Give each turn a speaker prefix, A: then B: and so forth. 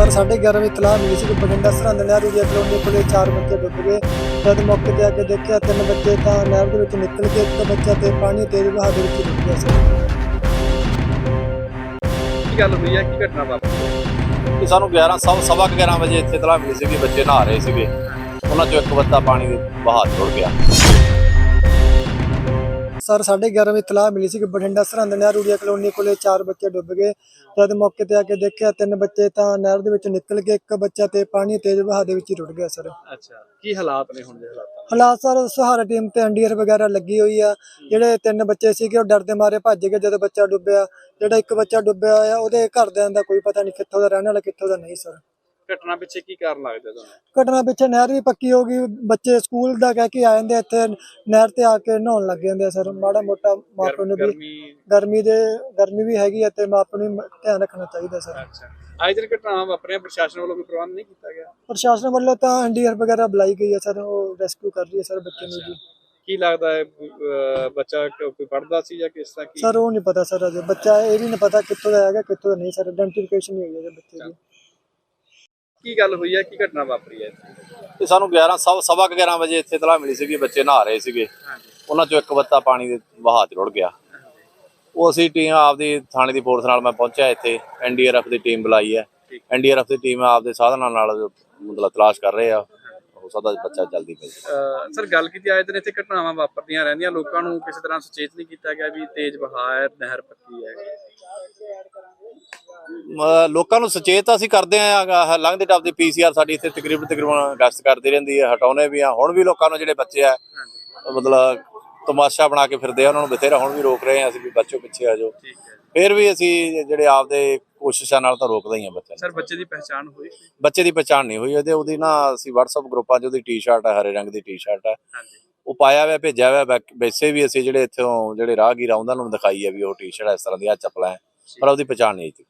A: Sir 11:30 ਵਜੇ ਇਤਲਾਹ ਮਿਲੀ ਸੀ ਕਿ ਬਠਿੰਡਾ ਸਰਹੰਦ ਨਹਿਰ ਏਰੀਆ ਕਲੋਨੀ ਕੋਲੇ 4 ਬੱਚੇ ਡੁੱਬ ਗਏ। ਜਦ ਮੌਕੇ ਤੇ ਆ ਕੇ ਦੇਖਿਆ 3 ਬੱਚੇ ਤਾਂ ਨਹਿਰ ਦੇ ਵਿੱਚ ਨਿਕਲ ਗਏ, ਇੱਕ ਬੱਚਾ ਤੇ ਪਾਣੀ ਤੇਜ਼ ਵਹਾਅ ਦੇ ਵਿੱਚ ਡੁੱਬ ਗਿਆ ਸਰ।
B: ਕੀ ਗੱਲ ਹੋਈ ਹੈ, ਕੀ ਘਟਨਾ ਵਾਪਰੀ?
C: ਕਿ ਸਾਨੂੰ 11:11 ਵਜੇ ਇੱਥੇ ਇਤਲਾਹ ਮਿਲੀ ਸੀ ਕਿ ਬੱਚੇ ਨਹਾ ਰਹੇ ਸੀਗੇ। ਉਹਨਾਂ ਚੋਂ ਇੱਕ ਬੱਚਾ ਪਾਣੀ ਦੇ ਵਹਾਅ 'ਚ ਰੁੜ ਗਿਆ।
A: ਸਰ 11:30 ਵਜੇ ਇਤਲਾਹ ਮਿਲੀ ਸੀ ਕਿ ਬਠਿੰਡਾ ਸਰਹੰਦ ਨਹਿਰ ਏਰੀਆ ਕਲੋਨੀ ਕੋਲੇ 4 ਬੱਚੇ ਡੁੱਬ ਗਏ। ਜਦ ਮੌਕੇ ਤੇ ਆ ਕੇ ਦੇਖਿਆ 3 ਬੱਚੇ ਤਾਂ ਨਹਿਰ ਦੇ ਵਿੱਚ ਨਿਕਲ ਗਏ, ਇੱਕ ਬੱਚਾ ਤੇ ਪਾਣੀ ਤੇਜ਼ ਵਹਾਅ ਦੇ ਵਿੱਚ ਰੁੜ ਗਿਆ ਸਰ।
B: ਅੱਛਾ, ਕੀ ਹਾਲਾਤ ਨੇ ਹੁਣ ਦੇ
A: ਹਾਲਾਤ ਸਰ ਸਹਾਰਾ ਟੀਮ ਤੇ ਐਨਡੀਆਰਐਫ ਵਗੈਰਾ ਲੱਗੀ ਹੋਈ ਆ। ਜਿਹੜੇ 3 ਬੱਚੇ ਸੀਗੇ ਉਹ ਡਰਦੇ ਮਾਰੇ ਭੱਜ ਗਏ ਜਦੋਂ ਬੱਚਾ ਡੁੱਬਿਆ। ਜਿਹੜਾ ਇੱਕ ਬੱਚਾ ਡੁੱਬਿਆ ਆ ਉਹਦੇ ਘਰਦਿਆਂ ਦਾ ਕੋਈ ਪਤਾ ਨਹੀਂ, ਕਿੱਥੋਂ ਦਾ ਰਹਿਣ ਵਾਲਾ ਕਿੱਥੋਂ ਦਾ ਨਹੀਂ ਸਰ।
B: ਘਟਨਾ ਪਿੱਛੇ ਕੀ ਕਾਰਨ ਲੱਗਦਾ ਤੁਹਾਨੂੰ?
A: ਘਟਨਾ ਪਿੱਛੇ ਨਹਿਰ ਵੀ ਪੱਕੀ ਹੋ ਗਈ, ਬੱਚੇ ਸਕੂਲ ਦਾ ਕਹਿ ਕੇ ਆ ਜਾਂਦੇ ਇੱਥੇ ਨਹਿਰ ਤੇ ਆ ਕੇ ਨਹਾਉਣ ਲੱਗ ਜਾਂਦੇ ਆ ਸਰ। ਮਾੜਾ ਮੋਟਾ ਮਾਪਿਆਂ ਨੂੰ ਵੀ ਗਰਮੀ ਵੀ ਹੈਗੀ ਹੈ ਤੇ ਮਾਪਿਆਂ ਨੂੰ ਧਿਆਨ ਰੱਖਣਾ ਚਾਹੀਦਾ ਸਰ।
B: ਅੱਛਾ, ਅੱਜ ਦਿਨ ਘਟਨਾਵਾਂ ਵਾਪਰੀਆਂ, ਪ੍ਰਸ਼ਾਸਨ ਵੱਲੋਂ ਕੋਈ ਪ੍ਰਬੰਧ ਨਹੀਂ ਕੀਤਾ ਗਿਆ?
A: ਪ੍ਰਸ਼ਾਸਨ ਵੱਲੋਂ ਤਾਂ ਐਨਡੀਆਰਐਫ ਵਗੈਰਾ ਬੁਲਾਈ ਗਈ ਹੈ ਸਰ, ਉਹ ਰੈਸਕਿਊ ਕਰ ਰਹੀ ਹੈ ਸਰ ਬੱਚੇ ਨੂੰ ਜੀ।
B: ਕੀ ਲੱਗਦਾ ਹੈ ਬੱਚਾ ਕੋਈ ਪੜ੍ਹਦਾ ਸੀ ਜਾਂ ਕਿਸ ਤਰ੍ਹਾਂ? ਕੀ
A: ਸਰ ਉਹ ਨਹੀਂ ਪਤਾ ਸਰ, ਅਜੇ ਬੱਚਾ ਇਹ ਵੀ ਨਹੀਂ ਪਤਾ ਕਿੱਥੋਂ ਦਾ ਹੈਗਾ ਕਿੱਥੋਂ ਦਾ ਨਹੀਂ ਸਰ। ਆਇਡੈਂਟੀਫਿਕੇਸ਼ਨ ਨਹੀਂ ਹੋਈ ਹੈ ਬੱਚੇ ਦੀ।
B: ਕੀ ਗੱਲ ਹੋਈ ਹੈ, ਕੀ ਘਟਨਾ ਵਾਪਰੀ ਹੈ?
C: ਕਿ ਸਾਨੂੰ 11:11 ਵਜੇ ਇੱਥੇ ਇਤਲਾਹ ਮਿਲੀ ਸੀ ਕਿ ਬੱਚੇ ਨਹਾ ਰਹੇ ਸੀਗੇ। ਉਹਨਾਂ ਚੋਂ ਇੱਕ ਬੱਚਾ ਪਾਣੀ ਦੇ ਵਹਾਅ 'ਚ ਰੁੜ ਗਿਆ। ਉਹ ਅਸੀਂ ਟੀਮ ਆਪਦੀ ਥਾਣੇ ਦੀ ਫੋਰਸ ਨਾਲ ਮੈਂ ਪਹੁੰਚਿਆ ਇੱਥੇ, ਐਨਡੀਆਰਐਫ ਦੀ ਟੀਮ ਬੁਲਾਈ ਹੈ। ਐਨਡੀਆਰਐਫ ਦੀ ਟੀਮ ਆਪਦੇ ਸਾਧਨਾਂ ਨਾਲ ਮਤਲਬ ਤਲਾਸ਼ ਕਰ ਰਹੇ ਆ। ਹੋ ਸਕਦਾ ਬੱਚਾ ਜਲਦੀ ਮਿਲ ਜਾਵੇ।
B: ਸਰ ਗੱਲ ਕੀਤੀ, ਆਏ ਦਿਨ ਇੱਥੇ ਘਟਨਾਵਾਂ ਵਾਪਰਦੀਆਂ ਰਹਿੰਦੀਆਂ, ਲੋਕਾਂ ਨੂੰ ਕਿਸੇ ਤਰ੍ਹਾਂ ਸੁਚੇਤ ਨਹੀਂ ਕੀਤਾ ਗਿਆ ਵੀ ਤੇਜ਼ ਵਹਾਅ ਹੈ, ਨਹਿਰ ਪੱਕੀ ਹੈ?
C: ਲੋਕਾਂ ਨੂੰ ਸੁਚੇਤ ਅਸੀਂ ਕਰਦੇ ਆ। ਲੰਘਦੇ ਟੱਪਦੇ ਪੀਸੀਆਰ ਸਾਡੀ ਇੱਥੇ ਤਕਰੀਬਨ ਗਸ਼ਤ ਕਰਦੀ ਰਹਿੰਦੀ ਹੈ, ਹਟਾਉਣੇ ਵੀ ਆ। ਹੁਣ ਵੀ ਲੋਕਾਂ ਨੂੰ ਜਿਹੜੇ ਬੱਚੇ ਆ ਮਤਲਬ ਤਮਾਸ਼ਾ ਬਣਾ ਕੇ ਫਿਰਦੇ ਆ, ਉਹਨਾਂ ਨੂੰ ਬਥੇਰਾ ਹੁਣ ਵੀ ਰੋਕ ਰਹੇ ਆ ਅਸੀਂ ਵੀ ਬੱਚੋ ਪਿੱਛੇ ਆ ਜਾਓ। ਫਿਰ ਵੀ ਅਸੀਂ ਜਿਹੜੇ ਆਪਦੇ ਕੋਸ਼ਿਸ਼ਾਂ ਨਾਲ ਤਾਂ ਰੋਕਦੇ ਹੀ ਆ ਬੱਚਿਆਂ ਨੂੰ।
B: ਸਰ ਬੱਚੇ ਦੀ ਪਹਿਚਾਣ ਹੋਈ?
C: ਬੱਚੇ ਦੀ ਪਛਾਣ ਨਹੀਂ ਹੋਈ। ਉਹਦੀ ਨਾ ਅਸੀਂ WhatsApp ਗਰੁੱਪਾਂ 'ਚ ਉਹਦੀ ਟੀ-ਸ਼ਰਟ ਹੈ, ਹਰੇ ਰੰਗ ਦੀ ਟੀ-ਸ਼ਰਟ ਹੈ, ਉਹ ਪਾਇਆ ਹੋਇਆ ਭੇਜਿਆ ਹੋਇਆ। ਵੈਸੇ ਵੀ ਅਸੀਂ ਜਿਹੜੇ ਇੱਥੋਂ ਜਿਹੜੇ ਰਾਹਗੀਰ ਆ ਉਹਨਾਂ ਨੂੰ ਦਿਖਾਈ ਹੈ ਵੀ ਉਹ ਟੀ-ਸ਼ਰਟ ਇਸ ਤਰ੍ਹਾਂ ਦੀ ਆ ਚੱਪਲਾਂ ਹੈ, ਪਰ ਉਹਦੀ ਪਛਾਣ ਨਹੀਂ ਹੋਈ।